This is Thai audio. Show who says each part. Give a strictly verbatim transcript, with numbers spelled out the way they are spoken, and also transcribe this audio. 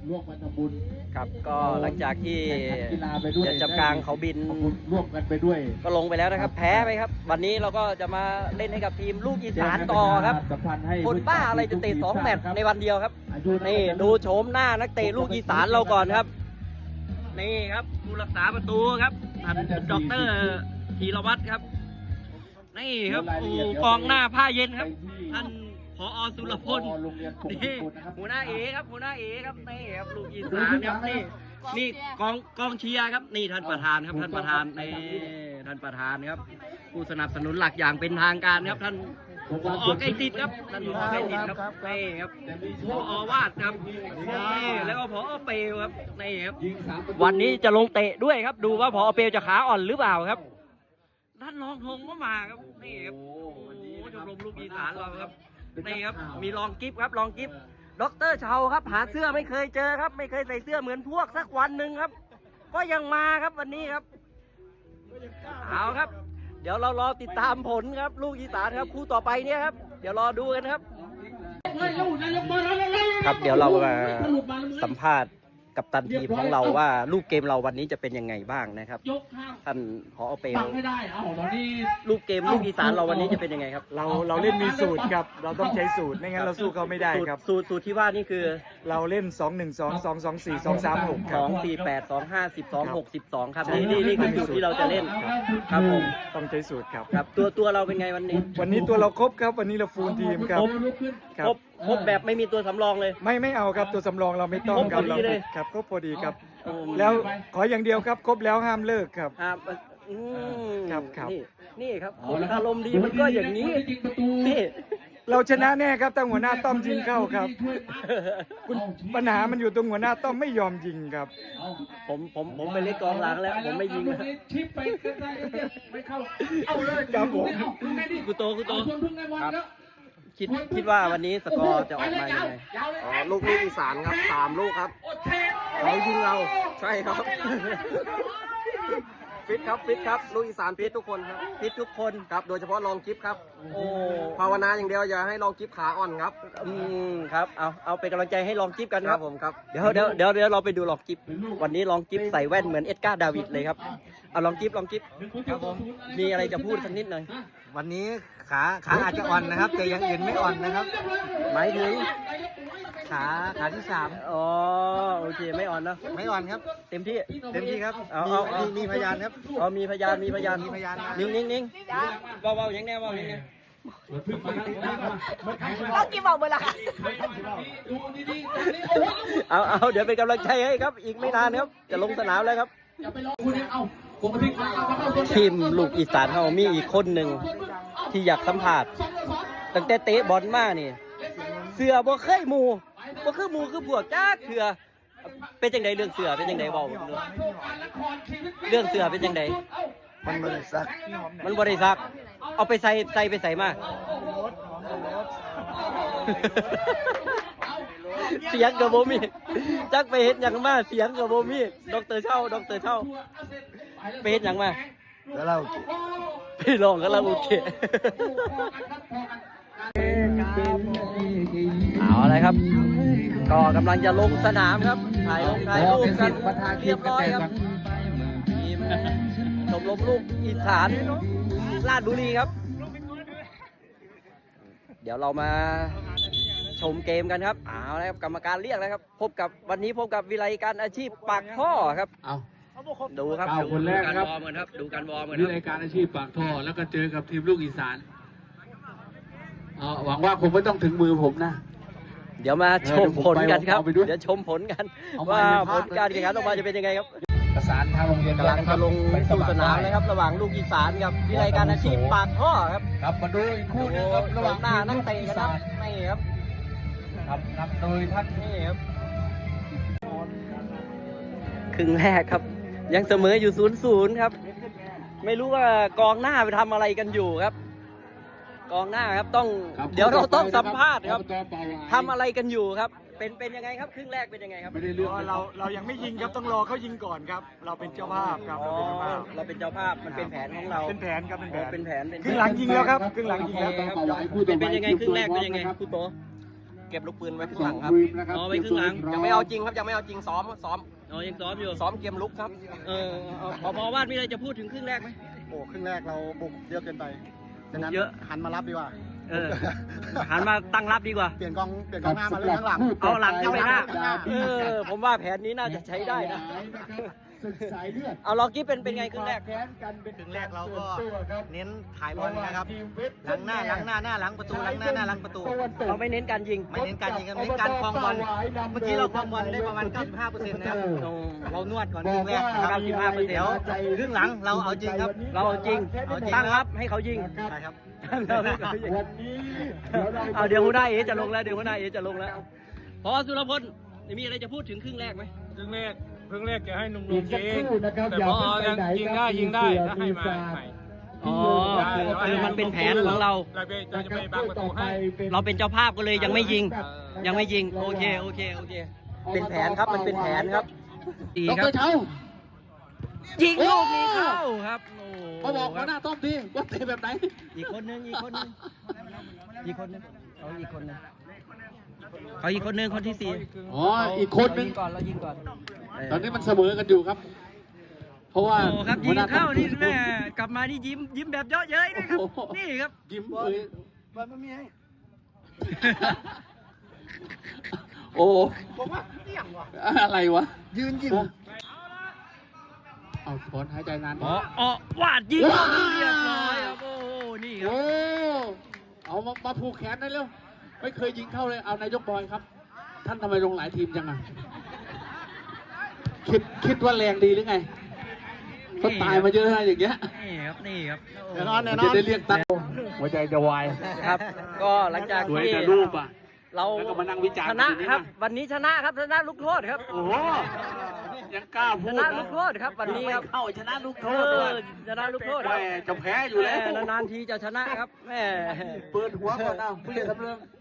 Speaker 1: ร่วมกันทำบุญ
Speaker 2: ครับก็หลังจากที่
Speaker 1: กีฬาไปด้วย
Speaker 2: เดือนจับกลางเขาบิน
Speaker 1: ร่วมกันไปด้วย
Speaker 2: ก็ลงไปแล้วนะครับแพ้ไปครับวันนี้เราก็จะมาเล่นให้กับทีมลูกอีสานต่อครับคนบ้าอะไรจะเตะสองแมตช์ในวันเดียวครับนี่ดูโฉมหน้านักเตะลูกอีสานเราก่อนครับนี่ครับผู้รักษาประตูครับท่านดอกเตอรธีรวัตรครับนี่ครับโอ้กองหน้าผ้าเย็นครับท่านผอ.สุรพลนี่หัวหน้าเอครับหัวหน้าเอครับนี่ครับลูกอีสานครับนี่นี่กองกองเชียร์ครับนี่ท่านประธานครับท่านประธานนี่ท่านประธานครับผู้สนับสนุนหลักอย่างเป็นทางการครับท่านผอ.ใกล้ติดครับท่านผอ.ใกล้ติดครับนี่ครับผอ.วาดครับนี่แล้วก็ผอ.เปลวครับนี่ครับวันนี้จะลงเตะด้วยครับดูว่าผอ.เปลวจะขาอ่อนหรือเปล่าครับท่านรองธงก็มาครับนี่ครับโอ้ชมรมลูกอีสานเราครับนี่ครับมีรองกิฟต์ครับรองกิฟต์ด็อกเตอร์เชาครับหาเสื้อไม่เคยเจอครับไม่เคยใส่เสื้อเหมือนพวกสักวันหนึ่งครับก็ยังมาครับวันนี้ครับเอาครับเดี๋ยวเรารอติดตามผลครับลูกอีสานครับคู่ต่อไปเนี่ยครับเดี๋ยวรอดูกันครับครับเดี๋ยวเรามาสัมภาษณ์กับตันทีมของเราว่าลูกเกมเราวันนี้จะเป็นยังไงบ้างนะครับท่านผอ.เปลวลูกเกมลูกอีสานเราวันนี้จะเป็นยังไงครับ
Speaker 3: เราเราเล่นมีสูตรครับเราต้องใช้สูตรไม่งั้นเราสู้เขาไม่ได้ครับ
Speaker 2: สูตรสูตรที่ว่านี่คือ
Speaker 3: เราเล่นสอง หนึ่ง สอง สอง สอง สี่ สอง สาม หก
Speaker 2: สองสี่แปดสองห้าสิบสองหกสิบสองครับนี่นี่นี่คือสูตรที่เราจะเล่นครับผม
Speaker 3: ต้องใช้สูตรครับ
Speaker 2: ครับตัวตัวเราเป็นไงวันนี้
Speaker 3: วันนี้ตัวเราครบครับวันนี้เราฟูลทีมครับ
Speaker 2: ครบครบแบบไม่มีตัวสำรองเลย
Speaker 3: ไม่ไม่เอาครับตัวสำรองเราไม่ต้องครับ
Speaker 2: เรา
Speaker 3: ครับครบพอดีครับแล้วขออย่างเดียวครับครบแล้วห้ามเลิกครับครับครับ
Speaker 2: นี่ครับคนอารมณ์ดีมันก็อย่างนี้นี่
Speaker 3: เราชนะแน่ครับแต่หัวหน้าต้อมยิงเข้าครับปัญหามันอยู่ตรงหัวหน้าต้อมไม่ยอมยิงครับ
Speaker 2: ผมผมผมไปเล่นกองหลังแล้วผมไม่ยิงนะ
Speaker 3: ครับผม
Speaker 2: กูโตกูโตครับคิดคิดว่าวันนี้สกอร์จะออกมายังไง
Speaker 4: อ๋อลูกลูกอีสานครับสามลูกครับ
Speaker 2: เขายิงเรา
Speaker 4: ใช่ครับฟิตครับฟิตครับลูกอีสานฟิตทุกคนครับ
Speaker 2: ฟิตทุกคน
Speaker 4: ครับโดยเฉพาะลองกิฟครับ
Speaker 2: โอ้
Speaker 4: ภาวนาอย่างเดียวอย่าให้ลองกิฟขาอ่อนครับ
Speaker 2: อืมครับเอาเอาเป็นกำลังใจให้ลองกิฟกันครับ
Speaker 4: ผมครับ
Speaker 2: เดี๋ยวเดี๋ยวเดี๋ยวเดี๋ยวเราไปดูลองกิฟวันนี้ลองกิฟใส่แว่นเหมือนเอ็ดการ์ดาวิดเลยครับเอาลองกิฟลองกิฟ
Speaker 4: ครับผม
Speaker 2: มีอะไรจะพูดสักนิดหน่อย
Speaker 4: วันนี้ขาขาอาจจะอ่อนนะครับแต่ยังอื่นไม่อ่อนนะครับ
Speaker 2: หมายถึง
Speaker 4: ขาขาที่สาม
Speaker 2: อ๋อโอเคไม่อ่อนเนาะ
Speaker 4: ไม่อ่อนครับ
Speaker 2: เต็มที่
Speaker 4: เต็มที่ครับ
Speaker 2: เอาเอาเอา
Speaker 4: มีพยานครับ
Speaker 2: อ๋อมีพยานมีพยาน
Speaker 4: มีพยาน
Speaker 2: นิ่งนิ่งนิ่งเบาเบาอย่างแน่เบาอย่างแน่
Speaker 5: เรากี่บอกเบอร์ละค่ะ
Speaker 2: เอาเอาเดี๋ยวเป็นกำลังใจให้ครับอีกไม่นานครับจะลงสนามแล้วครับทีมลูกอีสานเขามีอีกคนหนึ่งที่อยากสัมผัสตั้งแต่เตะบอลมานี่เสือบ่เคยมูบ่คือมูคือพวกจ้าเถื่อเป็นจังไดเรื่องเสือเป็นจังไดเบาเรื่องเสือเป็นจังได
Speaker 4: มันบริษัท
Speaker 2: มันบริษัทเอาไปใส่ใส่ไปใส่มาเสียงกับโบมีจักไปเห็นอย่างมาเสียงกับโบมีดอกเตอร์เช่าดอกเตอร์เช่าไปเห็นอย่างมา
Speaker 4: แล้วเรา
Speaker 2: ไปลองกันแล้วโอเคเอาอะไรครับก็กำลังจะลงสนามครับถ่ายลงถ่ายรูปกันเรียบร้อยครับทีมชมรมลูกอีสานราชบุรีครับเดี๋ยวเรามาชมเกมกันครับเอาละครับกรรมการเรียกแล้วครับพบกับวันนี้พบกับวิไลการอาชีพปากท่อครับ
Speaker 1: เอา
Speaker 2: ดูครับดู
Speaker 1: คนแรกครับ
Speaker 2: ดูการวอร์มกัน
Speaker 1: วิไลการอาชีพปากท่อแล้วก็เจอกับทีมลูกอีสานหวังว่าคงไม่ต้องถึงมือผมนะ
Speaker 2: เดี๋ยวมาชมผลกันครับเดี๋ยวชมผลกันว่าผลการแข่งขันออกมาจะเป็นยังไงครับ
Speaker 1: ประสานทางโรงเรียน
Speaker 2: กำลังจะลงสู่สนามนะครับระหว่างลูกอีสานกับวิไลการอาชีพปากท่อครับ
Speaker 1: ครับมาดูอีกคู่นึงครับระหว่าง
Speaker 2: หน้านักเตะกันครับนี่ครับ
Speaker 1: ครับนำโดยท่าน
Speaker 2: นี่ครับครึ่งแรกครับยังเสมออยู่ศูนย์ศูนย์ครับไม่รู้ว่ากองหน้าไปทำอะไรกันอยู่ครับกองหน้าครับต้องเดี๋ยวเราต้องสัมภาษณ์ครับทำอะไรกันอยู่ครับเป็นเป็นยังไงครับครึ่งแรกเป็นยังไงครับ
Speaker 3: ไม่ได้เรื่องเราเรายังไม่ยิงครับต้องรอเขายิงก่อนครับเราเป็นเจ้าภาพครับเราเป็นเจ้าภาพ
Speaker 2: เราเป็นเจ้าภาพมันเป็นแผนของเรา
Speaker 3: เป็นแผนครับเป็นแผน
Speaker 2: เป็นแผน
Speaker 3: ครึ่งหลังยิงแล้วครับครึ่งหลังยิงแล้ว
Speaker 2: เป็นเป็นยังไงครึ่งแรกเป็นยังไงคุณโตเก็บลูกปืนไว้ข้างหลังครับ
Speaker 1: อ๋อไว้ข้างหลัง
Speaker 2: ยังไม่เอาจริงครับยังไม่เอาจริงซ้อมซ้อม
Speaker 1: อ๋อยังซ้อมอยู่
Speaker 2: ซ้อมเกมลุกครับ
Speaker 1: เออพอพอวาดมีอะไรจะพูดถึงครึ่งแรกไหม
Speaker 5: โอ้ครึ่งแรกเราบุกเยอะเกินไปฉะนั้น
Speaker 1: เยอะ
Speaker 5: หันมารับดีกว่า
Speaker 1: เออหันมาตั้งรับดีกว่า
Speaker 5: เปลี่ยนกองเปลี่ยนกองหน้ามาเล่นข้างหลัง
Speaker 1: เอาหลังเข้าไปหน้า
Speaker 2: เออผมว่าแผนนี้น่าจะใช้ได้นะ เอาลองกี้เป็นเป็นไงครึ่งแรก
Speaker 5: ครึ่งแรกเราก็เน้นถ่ายบอลนะครับหลังหน้าหลังหน้าหน้าหลังประตูหลังหน้าหน้าหลังประตู
Speaker 2: เราไม่เน้นการยิง
Speaker 5: ไม่เน้นการยิงครับเน้นการครองบอลเมื่อกี้เราครองบอลได้ประมาณ เก้าสิบห้าเปอร์เซ็นต์ นะครับเรานวดก่อนครึ่งแรกนะครับ
Speaker 2: เก้าสิบห้าเปอร์เซ็นต์
Speaker 5: เดี๋ยวครึ่งหลังเราเอาจริงครับ
Speaker 2: เราเอาจริง
Speaker 5: เอาจริง
Speaker 2: ตั้งรับให้เขายิง
Speaker 5: ใช่ครับ
Speaker 2: เราให้เขายิงเอาเดี๋ยวหัวหน้าเอจะลงแล้วเดี๋ยวหัวหน้าเอจะลงแล้ว พอสุรพลมีอะไรจะพูดถึงครึ่งแรกไหม
Speaker 6: ครึ่งแรกครึ่งแรกจะให้หนุ่ม
Speaker 7: อีก
Speaker 6: ๆ
Speaker 7: สัก
Speaker 6: ยิ
Speaker 7: ค
Speaker 6: ง
Speaker 7: รู่นะครับ
Speaker 6: แต่
Speaker 7: อย่า
Speaker 6: พอ
Speaker 7: เพิ่งไปไหน
Speaker 6: ยิง
Speaker 7: ค
Speaker 6: ได้
Speaker 7: รับ
Speaker 6: ยิงได้
Speaker 7: ทีม
Speaker 6: ถ้าให้มา
Speaker 7: เสือ
Speaker 6: ใหม่
Speaker 2: อ๋อคือคือมันเป็นแผนของเรา
Speaker 6: เราไปเราจะไปบังประตูให้
Speaker 2: เราเป็นเจ้าภาพก็เลยยังไม่ยิง ยังไม่ยิง โอเค โอเค โอเค เป็นแผนครับ มันเป็นแผนครับดี
Speaker 1: ด
Speaker 2: ครับ
Speaker 1: รเช้า
Speaker 2: ยิงลูกนี้เข้าครับโอ้
Speaker 1: มาบอกหัวหน้าต้อมทีว่าเตะแบบไหน
Speaker 2: อีกคนนึงอีกคนนึงอีกคนนึงเขาอีกคนนึงเขาอีกคนนึงคนที่สี่
Speaker 1: อ๋ออีกคนนึ
Speaker 2: เรา
Speaker 1: ง
Speaker 2: ยิงก่อนเรายิงก่อน
Speaker 1: ตอนนี้มันเสมอกันอยู่ครับ เพราะว่า
Speaker 2: โอ้ครับ
Speaker 1: หั
Speaker 2: ยิ
Speaker 1: ว
Speaker 2: ง
Speaker 1: หน้าต้
Speaker 2: เข้า
Speaker 1: อม
Speaker 2: นี่แม่กลับมานี่ยิ้มยิ้มแบบเยอะเย้ยด้วยครับ
Speaker 1: โอ้โห
Speaker 2: นี่ครับ
Speaker 1: ยิ้มเอ้ย
Speaker 5: บอลไม่มีให้
Speaker 1: โอ้
Speaker 5: ผมว่าเสี่ยงว่ะ
Speaker 1: อะไรวะ
Speaker 5: ยืนยิง
Speaker 1: เอาถอนหายใจนาน
Speaker 2: อ๋ออ๋อวาดยิงลูกนี้เรียบร้อยครับโอ้โหนี่ครับ
Speaker 1: โอ้เอามามาผูกแขนได้เร็วไม่เคยยิงเข้าเลยเอานายกบอยครับ ท่านทำไมลงหลายทีมจังอ่ะคิดคิดว่าแรงดีหรือไงก็ตายมาเยอะนะอย่างเงี้ย
Speaker 2: นี่ครับนี่ครับ
Speaker 5: แน่นอนแน่น
Speaker 1: จะ
Speaker 5: อน
Speaker 1: ได้เรียกตั้งหัวใจจะวาย
Speaker 2: ครับ ก็หลังจาก
Speaker 1: สวย
Speaker 2: ที่
Speaker 1: แต่รูปอ่ะ
Speaker 2: เรา
Speaker 1: แล้วก็มานั่งวิจารณ์
Speaker 2: ชนะ
Speaker 1: กันอยู่นี่
Speaker 2: ครับ
Speaker 1: นะ
Speaker 2: วันนี้ชนะครับชนะลูกโทษครับ
Speaker 1: โอ้โหยังกล้า
Speaker 2: ช
Speaker 1: พูด
Speaker 2: นะลูกโทษครับวันนี้ครับ
Speaker 1: เข้าชนะลูกโท
Speaker 2: เอ
Speaker 1: ษด้ว
Speaker 2: อย ชนะลูกโทษค
Speaker 1: แม่
Speaker 2: รับ
Speaker 1: จะแพ้อยู่แล้ว
Speaker 2: ม่นานๆทีจะชนะครับแม่
Speaker 1: เปิดหัวก่อนเอาผู้ใหญ่ทำเรื่อง